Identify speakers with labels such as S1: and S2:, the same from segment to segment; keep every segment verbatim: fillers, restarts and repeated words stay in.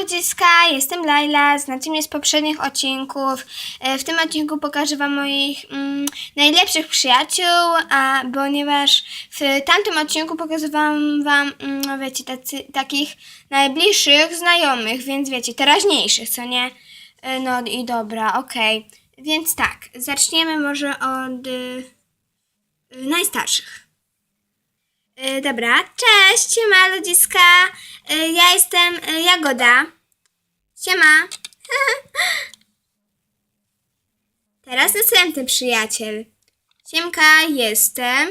S1: ludziska, jestem Laila, znacie mnie z poprzednich odcinków. W tym odcinku pokażę wam moich mm, najlepszych przyjaciół, a ponieważ w tamtym odcinku pokazywałam wam, mm, wiecie, tacy, takich najbliższych znajomych, więc wiecie, teraźniejszych, co nie? No i dobra, okej. Okay. Więc tak, zaczniemy może od y, y, najstarszych. Yy, dobra, cześć, siema ludziska, yy, ja jestem yy, Jagoda. Siema. Teraz następny przyjaciel. Siemka, jestem.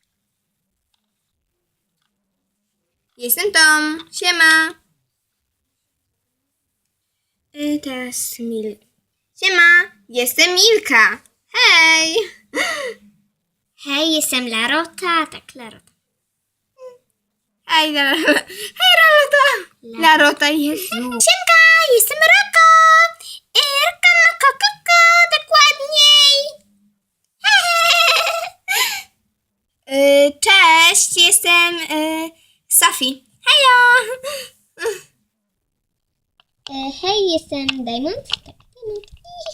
S1: Jestem Tom. Siema. Yy, teraz Mil. Siema, jestem Milka. Hej.
S2: Hej, jestem Larota. Tak, Larota.
S1: Hej, Larota. Hej, Larota. Larota jest.
S2: Siemka, jestem Roko. Roko, moko, koko, dokładniej.
S1: Yy, cześć, jestem yy, Sofii. Hejo!
S2: E, hej, jestem Diamond. Tak, Diamond.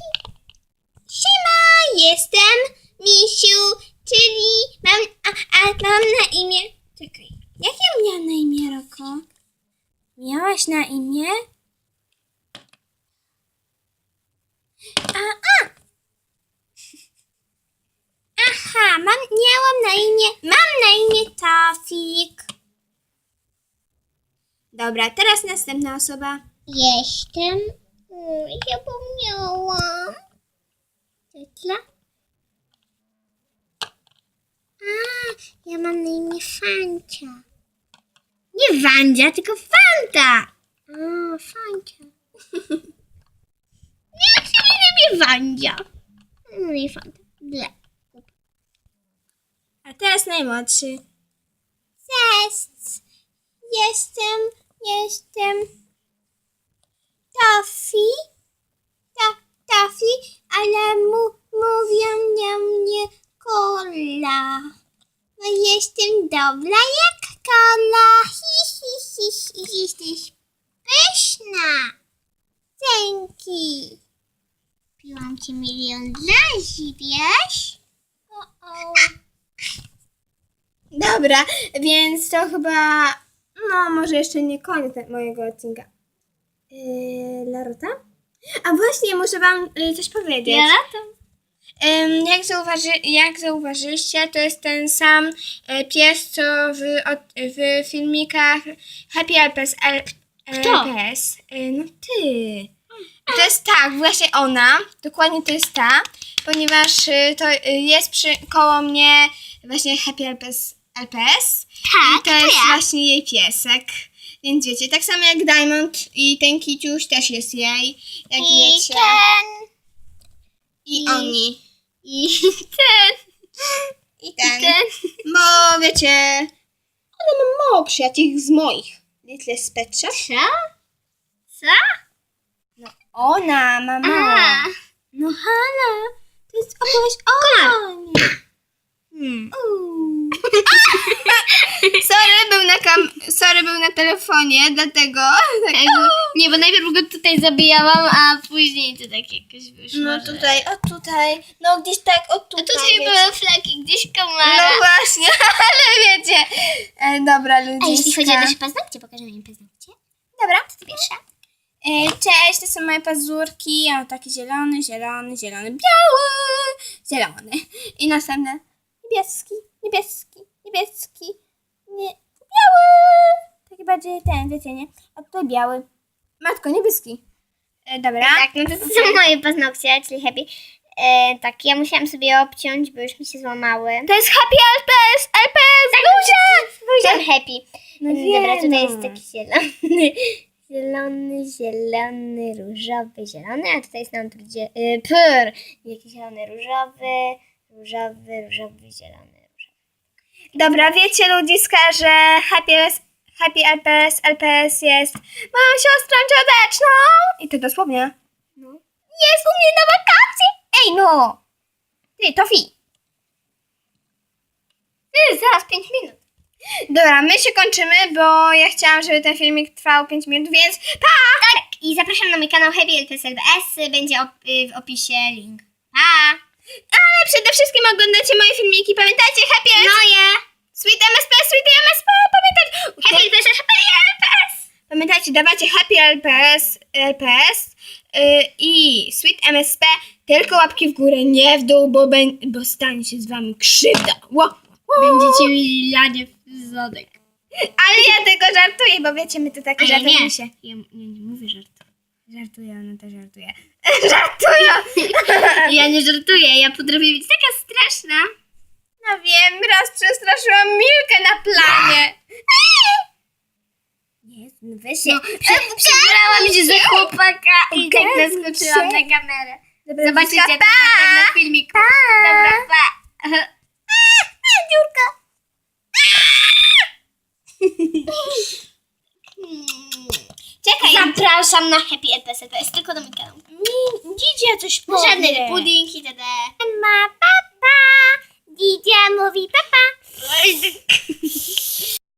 S2: Siema, jestem Misiu, czyli mam, a, a mam na imię... Czekaj.
S1: Jak ja miałam na imię, Roko? Miałaś na imię?
S2: A, a. Aha, mam, miałam na imię, mam na imię Tofik.
S1: Dobra, teraz następna osoba.
S2: Jestem, mm, zapomniałam. Tetla? A, ja mam na imię Fancia. Nie Wandzia, tylko Fanta. A, Fancia. Nie, chcę mi na imię Wandzia. No i Fanta. Ble.
S1: A teraz najmłodszy.
S2: Cześć. Jestem, jestem Tofi. Ta, Tofi, ale mu, mówią na mnie kola. Bo jestem dobra jak kola. Hi, hi, hi, hi. Jesteś pyszna. Dzięki. Piłam ci milion razy, wiesz? O, o.
S1: Dobra, więc to chyba, no może jeszcze nie koniec mojego odcinka. Yy, Larota? A właśnie, muszę wam yy, coś powiedzieć.
S2: Larota?
S1: Ym, jak, zauważy, jak zauważyliście, to jest ten sam y, pies, co w, od, w filmikach Happy Alpes. Al,
S2: Kto?
S1: Alpes. Y, no ty. To jest tak, właśnie ona, dokładnie to jest ta, ponieważ y, to y, jest przy, koło mnie właśnie Happy Alpes. Alpes.
S2: Tak,
S1: I to jest
S2: ja.
S1: właśnie jej piesek. Więc wiecie, tak samo jak Diamond i ten kiciuś też jest jej, jak
S2: I
S1: wiecie.
S2: ten.
S1: I,
S2: I-
S1: oni.
S2: I ten.
S1: I ten.
S2: I ten.
S1: Bo wiecie, ona ma mało przyjaciół z moich. Little Spectra.
S2: Co? Co?
S1: No ona ma mało.
S2: A.
S1: No Hanna, to jest opowieść o niej.
S2: Hmm.
S1: Uuu. Sorry, był na kam- sorry, był na telefonie, dlatego. Tak,
S2: Nie, bo najpierw go tutaj zabijałam, a później to tak jakoś wyszło.
S1: no
S2: że-
S1: tutaj, o tutaj, no gdzieś tak, o
S2: A
S1: tutaj.
S2: tutaj
S1: wiecie.
S2: były flaki, gdzieś
S1: No
S2: komara.
S1: właśnie, ale wiecie. E, dobra, ludziska.
S2: A jeśli chodzi o nasze paznokcie, pokażemy im paznokcie.
S1: Dobra.
S2: To pierwsza.
S1: E, cześć, to są moje pazurki. Ja mam taki zielony, zielony, zielony, biały, zielony. I następny niebieski, niebieski, niebieski, nie, biały. Taki bardziej ten, wiecie, nie? A tutaj biały. Matko, niebieski. E, dobra.
S2: Tak, no to, to są moje paznokcie, czyli happy. E, tak, ja musiałam sobie obciąć, bo już mi się złamały.
S1: To jest Happy Alpes, Alpes,
S2: Tak,
S1: Guzia!
S2: Byłam happy.
S1: No
S2: Dobra,
S1: wiem,
S2: tutaj
S1: no.
S2: jest taki zielony. Zielony, zielony, różowy, zielony, a tutaj jest nam trudzie... Y, pur. Jakiś zielony, różowy, różowy, różowy, zielony, różowy.
S1: Dobra, wiecie ludziska, że Happy, Happy Alpes, Alpes jest moją siostrą cioteczną. I to dosłownie.
S2: No.
S1: Jest u mnie na wakacje. Ej no! Ty, Tofi.
S2: Ty, zaraz pięć minut.
S1: Dobra, my się kończymy, bo ja chciałam, żeby ten filmik trwał pięć minut, więc pa!
S2: Tak. I zapraszam na mój kanał Happy L P S L B S. Będzie op w opisie link. Pa!
S1: Ale przede wszystkim oglądacie moje filmiki. Pamiętajcie, Happy L P S.
S2: Moje!
S1: Sweet M S P, Sweet M S P, pamiętajcie.
S2: Happy L P S L, Happy L P S!
S1: Pamiętajcie, dawajcie Happy L P S, L P S yy, i Sweet M S P, tylko łapki w górę, nie w dół, bo, ben, bo stanie się z wami krzywda. Wow.
S2: Będziecie mieli lanie w zadek.
S1: Ale ja tylko żartuję, bo wiecie, my to takie
S2: A ja
S1: żarty
S2: nie.
S1: się.
S2: Ja nie, nie mówię żartu.
S1: Żartuję, ona też żartuje. Żartuję!
S2: Ja nie żartuję, ja potrafię być taka straszna.
S1: No wiem, raz przestraszyłam Milkę na planie.
S2: Nie, weź się. No, przebrałam się za chłopaka i tak naskoczyłam na kamerę. Zobaczycie to na pewno w filmiku. Dobra, pa. Dziurka.
S1: Czekaj.
S2: Zapraszam na Happy L P S L P S, tylko do mój kanał.
S1: Dzidzia coś powie.
S2: Żadny pudding itd. Ma papa. Dzidzia mówi papa.